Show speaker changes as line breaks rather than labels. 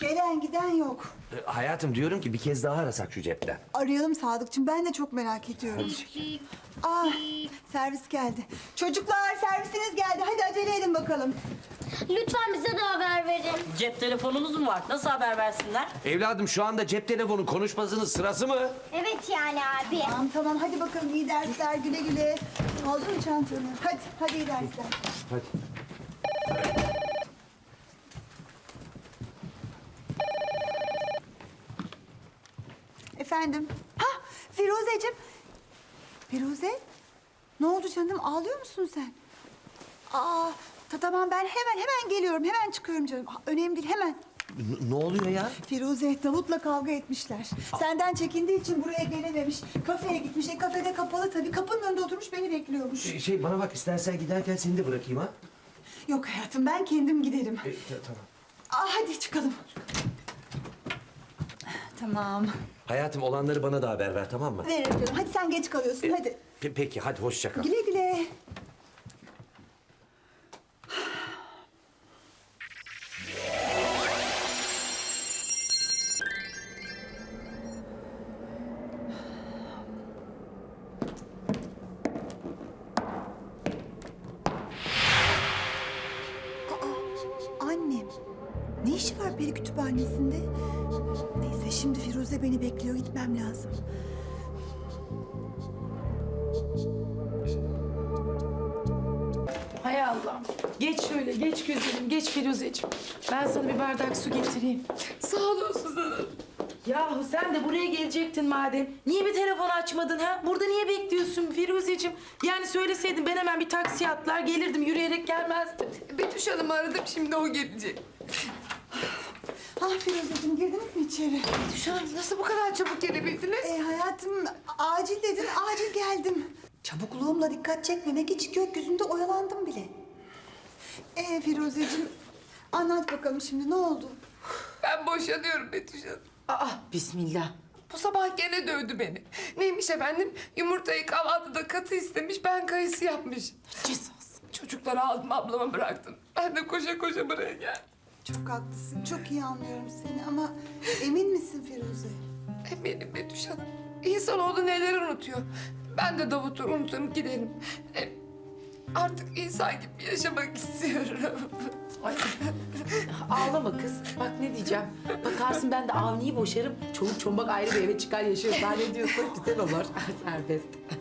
Gelen giden yok.
Hayatım diyorum ki bir kez daha arasak şu cepten.
Arayalım Sadıkçım. Ben de çok merak ediyorum. Ah, servis geldi. Çocuklar servisiniz geldi. Hadi acele edin bakalım.
Lütfen bize de haber verin.
Cep telefonunuz mu var? Nasıl haber versinler?
Evladım şu anda cep telefonu konuşmasının sırası mı?
Evet yani abi.
Tamam hadi bakalım iyi dersler güle güle. Aldın mı çantanı? Hadi iyi dersler.
Hadi.
Efendim? Ha Firuzeciğim. Firuze? Ne oldu canım? Ağlıyor musun sen? Tamam ben hemen geliyorum. Hemen çıkıyorum canım. Önemli değil hemen.
Ne oluyor ya?
Firuze Davut'la kavga etmişler. Senden çekindiği için buraya gelememiş. Kafeye gitmiş. Kafede kapalı tabii. Kapının önünde oturmuş beni bekliyormuş.
Bana bak istersen giderken seni de bırakayım ha.
Yok hayatım ben kendim giderim.
Tamam.
Hadi çıkalım. Tamam.
Hayatım olanları bana da haber ver tamam mı?
Veririm canım. Hadi sen geç kalıyorsun. Hadi.
Peki hadi hoşça kal.
Güle güle. Annem. Ne işi var peri kütüphanesinde? Neyse şimdi Firuze beni bekliyor. Gitmem lazım.
Hay Allah. Geç şöyle, geç güzelim, geç Firuzeciğim. Ben sana bir bardak su getireyim. Sağ olun Suzan Hanım. Yahu sen de buraya gelecektin madem. Niye bir telefon açmadın ha? Burada niye bekliyorsun Firuzeciğim? Yani söyleseydin ben hemen bir taksiye atlar gelirdim. Yürüyerek gelmezdim.
Betüş Hanım'ı aradım, şimdi o gelecek.
Firuzeciğim girdiniz mi içeri?
Betüş Hanım, nasıl bu kadar çabuk gelebildiniz?
Hayatım acil dedin, acil geldim. Çabukluğumla dikkat çekmemek için gökyüzünde oyalandım bile. Firuzeciğim anlat bakalım şimdi ne oldu?
Ben boşanıyorum Betüş Hanım.
Aa, bismillah.
Bu sabah gene dövdü beni. Neymiş efendim? Yumurtayı kahvaltıda katı istemiş, ben kayısı yapmış.
Cezası.
Çocukları aldım, ablama bıraktım. Ben de koşa koşa buraya geldim.
Çok haklısın, çok iyi anlıyorum seni ama emin misin Firuze?
Eminim Betüş Hanım. İnsanoğlu neler unutuyor. Ben de Davut'u unuturum giderim. Artık insan gibi yaşamak istiyorum.
Ay. Ağlama kız. Bak ne diyeceğim. Bakarsın ben de Avni'yi boşarım. Çoluk çombak ayrı bir eve çıkar yaşarız. Daha ne diyorsun? Güzel olur. Serbest.